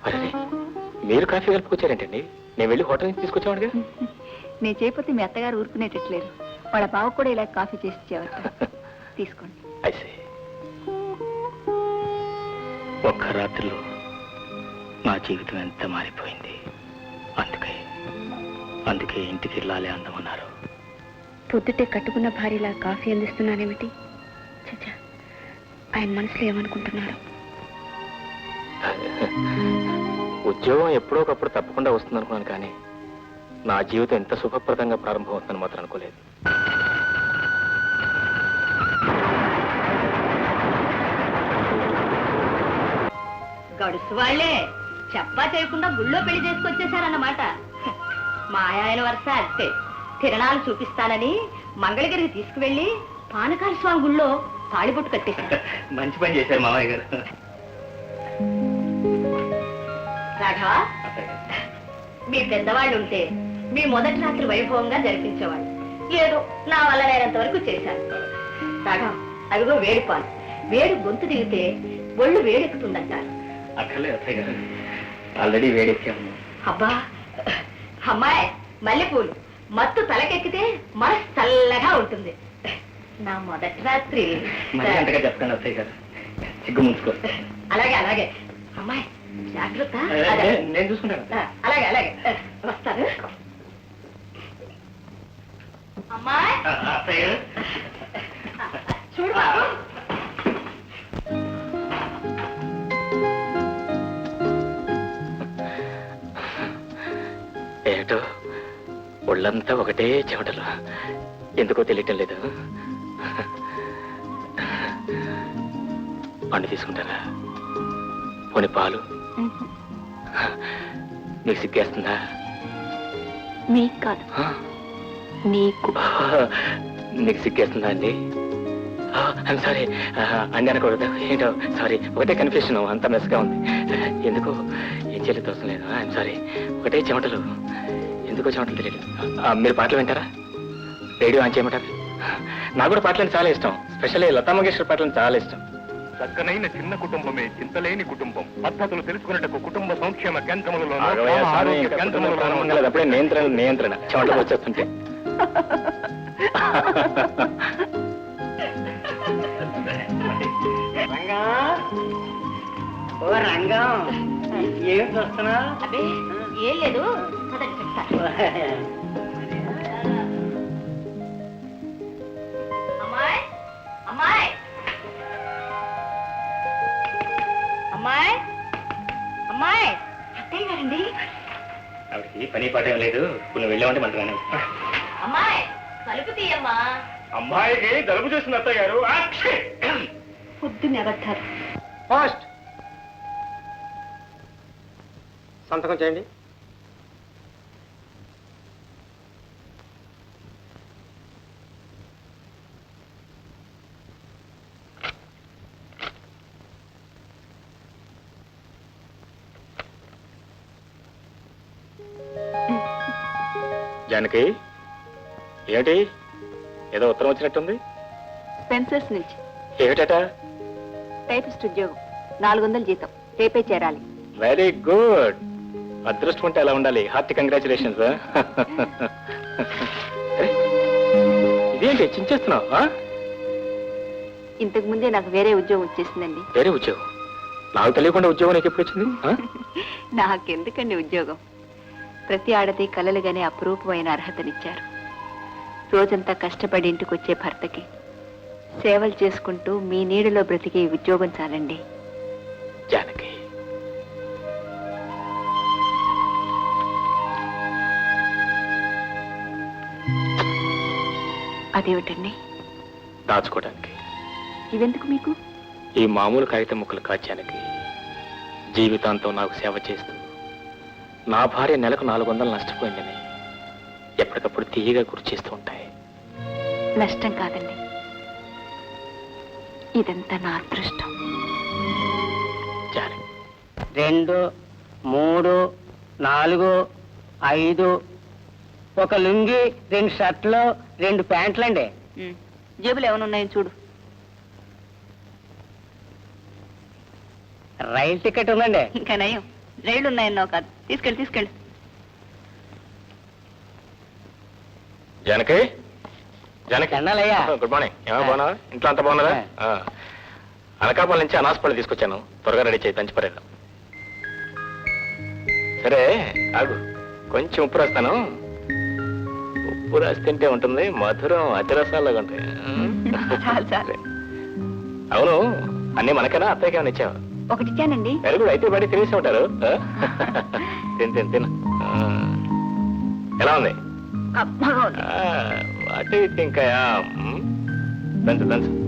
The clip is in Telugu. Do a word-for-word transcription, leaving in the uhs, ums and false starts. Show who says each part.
Speaker 1: అరే మీరు కాఫీ కలుపుకొచ్చారేంటండి? నేను వెళ్ళి హోటల్ నుంచి తీసుకొచ్చేవాడుగా.
Speaker 2: నేను చేయకపోతే మీ అత్తగారు ఊరుకునేటట్లేరు. వాళ్ళ బావ కూడా ఇలా కాఫీ చేసి ఇచ్చేవారు. తీసుకోండి.
Speaker 1: అయితే ఒక్క రాత్రిలో నా జీవితం ఎంత మారిపోయింది. అందుకే అందుకే ఇంటికి వెళ్ళాలి అందమన్నారు.
Speaker 2: పొద్దుటే కట్టుకున్న భార్యలా కాఫీ అందిస్తున్నానేమిటి? చచ్చా, ఆయన మనసులో ఏమనుకుంటున్నారు?
Speaker 1: ఉద్యోగం ఎప్పుడో ఒకప్పుడు తప్పకుండా వస్తుంది అనుకున్నాను, కానీ నా జీవితం ఎంత సుఖప్రదంగా ప్రారంభమవుతుందని మాత్రం అనుకోలేదు.
Speaker 3: గడుసు వాళ్లే చెప్పా చేయకుండా గుళ్ళో పెళ్లి చేసుకొచ్చేసారన్నమాట. మా ఆయన వరుస అంతే. తిరణాలు చూపిస్తానని మంగళగిరికి తీసుకువెళ్లి పానకాల స్వామి గుళ్ళో తాళిబొట్టు కట్టేశారు.
Speaker 1: మంచి పని చేశారు మామయ్య గారు.
Speaker 3: రాఘవ, మీ పెద్దవాళ్ళు ఉంటే మీ మొదటి రాత్రి వైభవంగా జరిపించేవాళ్ళు. ఏదో నా వల్ల నేనంత వరకు చేశాను. రాఘవ, అదిగో వేడి పాలు. వేడి గొంతు దిగితే ఒళ్ళు వేడెక్కుతుందంటారు.
Speaker 1: అక్కర్లేదు అత్తయ్య గారు, ఆల్రెడీ వేడెక్కాము.
Speaker 3: అబ్బా అమ్మాయి, మల్లెపూలు మత్తు తలకెక్కితే మనసు చల్లగా ఉంటుంది. నా మొదటి రాత్రి
Speaker 1: చెప్తాను అత్తయ్య గారు, సిగ్గు ముంచుకో.
Speaker 3: అలాగే అలాగే అమ్మాయి, జాగ్రత్త.
Speaker 1: నేను చూసుకుంటాను.
Speaker 3: అలాగే అలాగే వస్తాను. అమ్మాయి చూడు బాబు.
Speaker 1: ఏటో ఒళ్ళంతా ఒకటే చెమటలు, ఎందుకో తెలియటం లేదు. పండు తీసుకుంటారా? పోనీ పాలు? మీకు సిగ్గేస్తుందా?
Speaker 2: మీకు కాదు, నీకు.
Speaker 1: మీకు సిగ్గేస్తుందా అండి? ఐమ్ సారీ అండి అనకూడదు. ఏంటో సారీ, ఒకటే కన్ఫ్యూషన్, అంత మెస్గా ఉంది. ఎందుకో ఏం చేయలేదు అవసరం లేదు. ఐమ్ సారీ, ఒకటే చెమటలు, ఎందుకో చెమటలు తెలియదు. మీరు పాటలు వింటారా? రేడియో ఆన్ చేయమంటారా? నాకు కూడా పాటలు చాలా ఇష్టం, స్పెషల్లీ లతా మంగేష్కర్ పాటలు చాలా ఇష్టం.
Speaker 4: చక్కనైన చిన్న కుటుంబమే చింతలేని కుటుంబం. పద్ధతులు తెలుసుకున్నట్టు కుటుంబ సంక్షేమ కేంద్రములలో
Speaker 1: అప్పుడే నియంత్రణ నియంత్రణ చెమటలు వచ్చేస్తుంటే.
Speaker 5: ఓ రంగం, ఏం చూస్తున్నా?
Speaker 3: అదే ఏం లేదు. అమ్మాయి అమ్మాయి అమ్మాయి అమ్మాయి, అత్తయ్య గారండి.
Speaker 1: ఆవిడకి పని పాట ఏం లేదు, నువ్వు వెళ్ళామంటే మంటగానే.
Speaker 3: అమ్మాయి కలుపు తీయమ్మా.
Speaker 4: అమ్మాయికి జలుబు చేసిన అత్తయ్య గారు.
Speaker 3: పొద్దున్నే అబద్ధాలు.
Speaker 5: పోస్ట్ సంతకం చేయండి.
Speaker 1: జానకి, ఏమిటి ఏదో ఉత్తరం వచ్చినట్టుంది?
Speaker 2: స్పెన్సర్స్ నుంచి.
Speaker 1: ఏమిటట?
Speaker 2: టైపిస్ట్ ఉద్యోగం, నాలుగు వందలు జీతం, రేపే చేరాలి.
Speaker 1: Very good. అదృష్టం ఉంటే అలా ఉండాలి. Hearty congratulations. ఇదేంటి చించేస్తున్నావు?
Speaker 2: ఇంతకు ముందే నాకు వేరే ఉద్యోగం వచ్చేసిందండి.
Speaker 1: వేరే ఉద్యోగం? నాకు తెలియకుండా ఉద్యోగం నీకు ఎప్పుడు వచ్చింది?
Speaker 2: నాకెందుకండి ఉద్యోగం? ప్రతి ఆడది కలలుగానే అపురూపమైన అర్హతనిచ్చారు. రోజంతా కష్టపడి ఇంటికి వచ్చే భర్తకి సేవలు చేసుకుంటూ మీ నీడలో బ్రతికే ఉద్యోగం చాలండి.
Speaker 1: జానకి,
Speaker 2: అదేమిటండి?
Speaker 1: దాచుకోవడానికి.
Speaker 2: ఇవెందుకు మీకు?
Speaker 1: ఈ మామూలు కాగితం ముక్కలు కాచానికి జీవితాంతం నాకు సేవ చేస్తూ నా భార్య నెలకు నాలుగు వందలు నష్టపోయిందని ఎప్పటికప్పుడు తీయగా గుర్తు చేస్తూ ఉంటాయి.
Speaker 2: నష్టం కాదండి, ఇదంతా నా అదృష్టం.
Speaker 1: జానకి,
Speaker 5: రెండు, మూడు, నాలుగు, ఐదు, ఒక లుంగి, రెండు షర్ట్లు, రెండు ప్యాంట్లండి.
Speaker 2: జేబులు ఏమైనా చూడు.
Speaker 5: రైలు టికెట్ ఉందండి.
Speaker 2: ఇంకా నయం, రైళ్లు ఉన్నాయన్నావు కాదు. తీసుకెళ్ళి తీసుకెళ్ళి.
Speaker 1: జానకి జానకి
Speaker 5: దండాలయ్యా.
Speaker 1: Good morning. ఏమో బాగున్నావా? ఇంట్లో అంతా బాగున్నారా? ఆ. అనకాపల్లి నుంచి అనాసపల్లి తీసుకొచ్చాను. త్వరగా రెడీ చేయి, దంచిపరేద్దాం. సరే ఆగు, కొంచెం ఉప్పు రాస్తాను. ఉప్పు రాసి తింటే ఉంటుంది, మధురం అతిరసాలాగా ఉంటాయి.
Speaker 2: చాలు చాలు.
Speaker 1: అవును, అన్నీ మనకేనా అత్తయ్యకి ఏమైనా ఇచ్చావా?
Speaker 2: ఒకటి ఇచ్చానండి.
Speaker 1: వెరీ గుడ్, అయితే బయట తినేసి ఉంటారు. ఆ? తిను తిను తిను. ఆ. ఎలా ఉంది?
Speaker 2: అబ్బా,
Speaker 1: వాటి ఇంకా దంచు దంచు